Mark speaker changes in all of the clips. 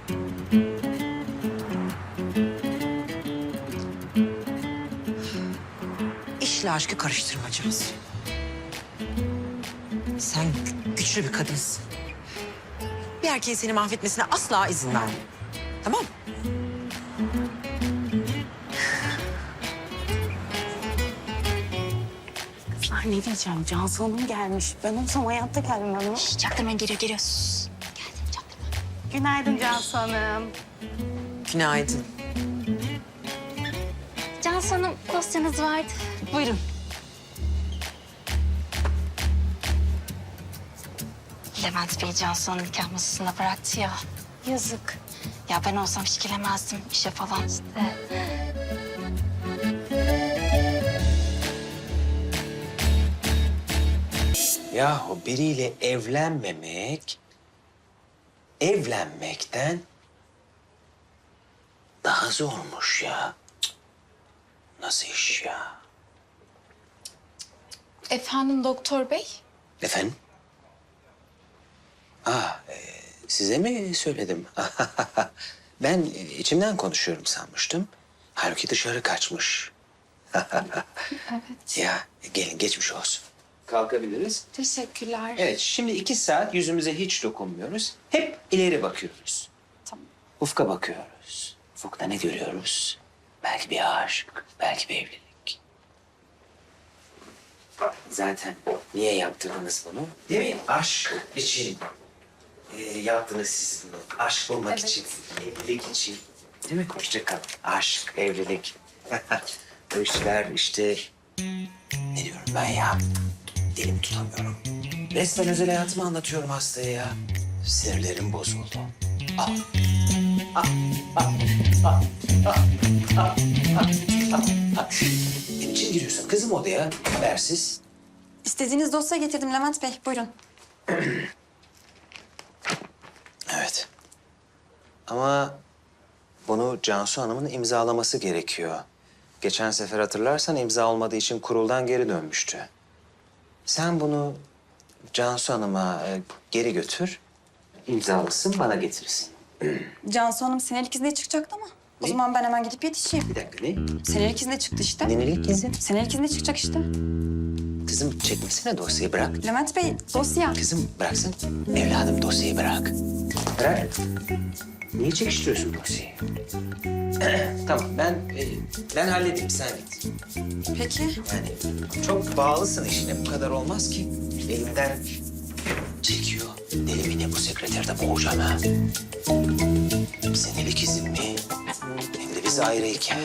Speaker 1: İşle aşkı karıştırmacağız. Sen güçlü bir kadınsın. Bir erkeğin seni mahvetmesine asla izin verme. Tamam mı?
Speaker 2: Kızlar ne diyeceğim? Cansu Hanım gelmiş. Ben olsam hayatta gelmem ama.
Speaker 3: Çaktırmayın, geliyor. Sus. Geldim, çaktırma.
Speaker 2: Günaydın Cansu Hanım.
Speaker 1: Günaydın.
Speaker 3: Cansu Hanım, dosyanız vardı.
Speaker 2: Buyurun.
Speaker 3: Levent Bey Cansu Hanım nikah masasında bıraktı ya. Yazık. Ya ben olsam hiç gelemezdim işe falan işte.
Speaker 4: Yahu biriyle evlenmekten daha zormuş ya. Cık. Nasıl iş ya?
Speaker 5: Efendim doktor bey?
Speaker 4: Efendim? Size mi söyledim? Ben içimden konuşuyorum sanmıştım. Halbuki dışarı kaçmış.
Speaker 5: Evet.
Speaker 4: Ya gelin geçmiş olsun. Kalkabiliriz.
Speaker 5: Teşekkürler.
Speaker 4: Evet, şimdi 2 saat yüzümüze hiç dokunmuyoruz. Hep ileri bakıyoruz.
Speaker 5: Tamam.
Speaker 4: Ufka bakıyoruz. Ufukta ne görüyoruz? Belki bir aşk, belki bir evlilik. Zaten niye yaptırdınız bunu? Değil mi? Aşk için yaptınız siz bunu. Aşk bulmak için, evlilik için. Değil mi? Hoşça kal. Aşk, evlilik. Bu işler işte... Ne diyorum ben ya? Dilimi tutamıyorum. Resmen özel hayatımı anlatıyorum hastaya ya. Sinirlerim bozuldu. Ah. Ne için giriyorsun kızım odaya habersiz?
Speaker 6: İstediğiniz dosya getirdim Levent Bey. Buyurun.
Speaker 4: Evet. Ama bunu Cansu Hanım'ın imzalaması gerekiyor. Geçen sefer hatırlarsan imza olmadığı için kuruldan geri dönmüştü. Sen bunu Cansu Hanım'a geri götür. İmzalasın, bana getirsin.
Speaker 6: Cansu Hanım senelik izne çıkacaktı ama. O
Speaker 4: Ne?
Speaker 6: zaman ben hemen gidip yetişeyim.
Speaker 4: Bir dakika ne?
Speaker 6: Senelik izne çıktı işte.
Speaker 4: Nenelik izin.
Speaker 6: Senelik izne çıkacak işte.
Speaker 4: Kızım çekmesene dosyayı bırak.
Speaker 6: Levent Bey dosya.
Speaker 4: Kızım bıraksın. Evladım dosyayı bırak. Bırak. Niye çekiştiriyorsun dosyayı? Tamam ben halledeyim sen git.
Speaker 6: Peki.
Speaker 4: Yani çok bağlısın işine bu kadar olmaz ki. Elimden çekiyor. Deli mi ne bu sekreterde boğacağım ha. Senelik izin mi? Hem de biz ayrıyken.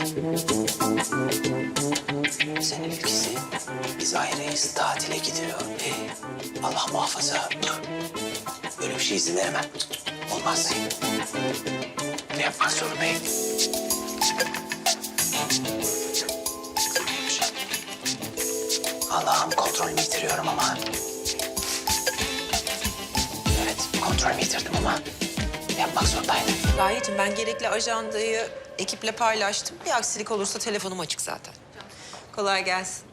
Speaker 4: Senelik izin. Biz ayrıyız. Tatile gidiyor. Allah muhafaza. Böyle bir şey izin veremem. Olmaz. Ne yapmak zorundayım? Allah'ım kontrolümü yitiriyorum ama. Evet, kontrolümü yitirdim ama yapmak zorundaydım.
Speaker 1: Gayet'im ben gerekli ajandayı ekiple paylaştım. Bir aksilik olursa telefonum açık zaten. Kolay gelsin.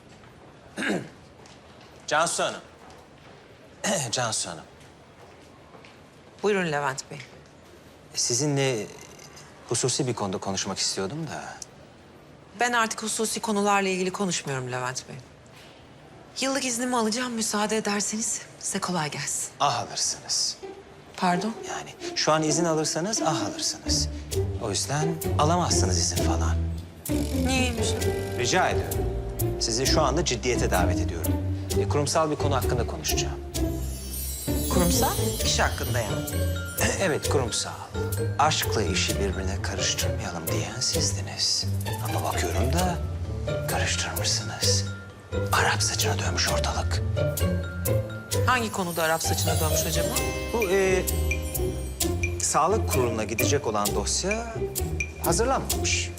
Speaker 4: Cansu Hanım. Cansu Hanım.
Speaker 1: Buyurun Levent Bey.
Speaker 4: Sizinle hususi bir konuda konuşmak istiyordum da.
Speaker 1: Ben artık hususi konularla ilgili konuşmuyorum Levent Bey. Yıllık iznimi alacağım müsaade ederseniz size kolay gelsin.
Speaker 4: Alırsınız.
Speaker 1: Pardon?
Speaker 4: Yani şu an izin alırsanız alırsınız. O yüzden alamazsınız izin falan.
Speaker 1: Niyeymiş?
Speaker 4: Rica ediyorum. Sizi şu anda ciddiyete davet ediyorum. Kurumsal bir konu hakkında konuşacağım.
Speaker 1: Kurumsal iş hakkında yani.
Speaker 4: Evet, kurumsal. Aşkla işi birbirine karıştırmayalım diyen sizdiniz. Ama bakıyorum da karıştırmışsınız. Arap saçına dönmüş ortalık.
Speaker 1: Hangi konuda Arap saçına dönmüş acaba?
Speaker 4: Bu sağlık kuruluna gidecek olan dosya hazırlanmamış.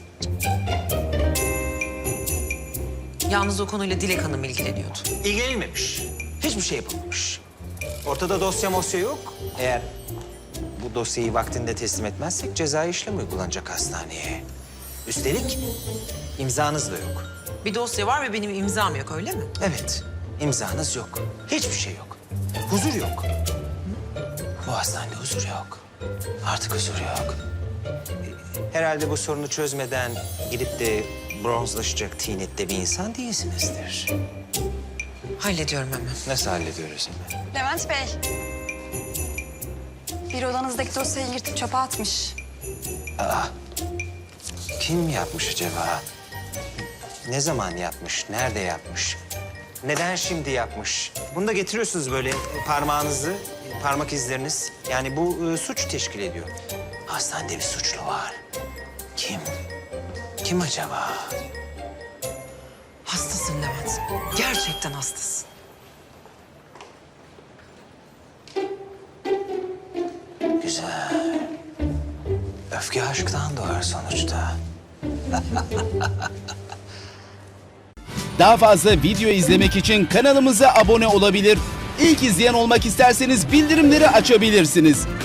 Speaker 1: Yalnız o konuyla Dilek Hanım ilgileniyordu.
Speaker 4: İlgilenilmemiş. Hiçbir şey yapılmamış. Ortada dosya mosya yok. Eğer bu dosyayı vaktinde teslim etmezsek cezai işlem uygulanacak hastaneye. Üstelik imzanız da yok.
Speaker 1: Bir dosya var ve benim imzam yok öyle mi?
Speaker 4: Evet, imzanız yok. Hiçbir şey yok. Huzur yok. Bu hastanede huzur yok. Artık huzur yok. Herhalde bu sorunu çözmeden gidip de bronzlaşacak tinette bir insan değilsinizdir.
Speaker 1: Hallediyorum hemen.
Speaker 4: Nasıl hallediyoruz hemen?
Speaker 6: Levent Bey. Bir odanızdaki dosyayı yırtıp çöpe atmış.
Speaker 4: Kim yapmış acaba? Ne zaman yapmış? Nerede yapmış? Neden şimdi yapmış? Bunu da getiriyorsunuz böyle parmağınızı, parmak izleriniz. Yani bu suç teşkil ediyor. Hastanede bir suçlu var. Kim? Kim acaba?
Speaker 1: Hastasın Levent. Gerçekten hastasın.
Speaker 4: Güzel. Öfke aşktan doğar sonuçta.
Speaker 7: Daha fazla video izlemek için kanalımıza abone olabilir. İlk izleyen olmak isterseniz bildirimleri açabilirsiniz.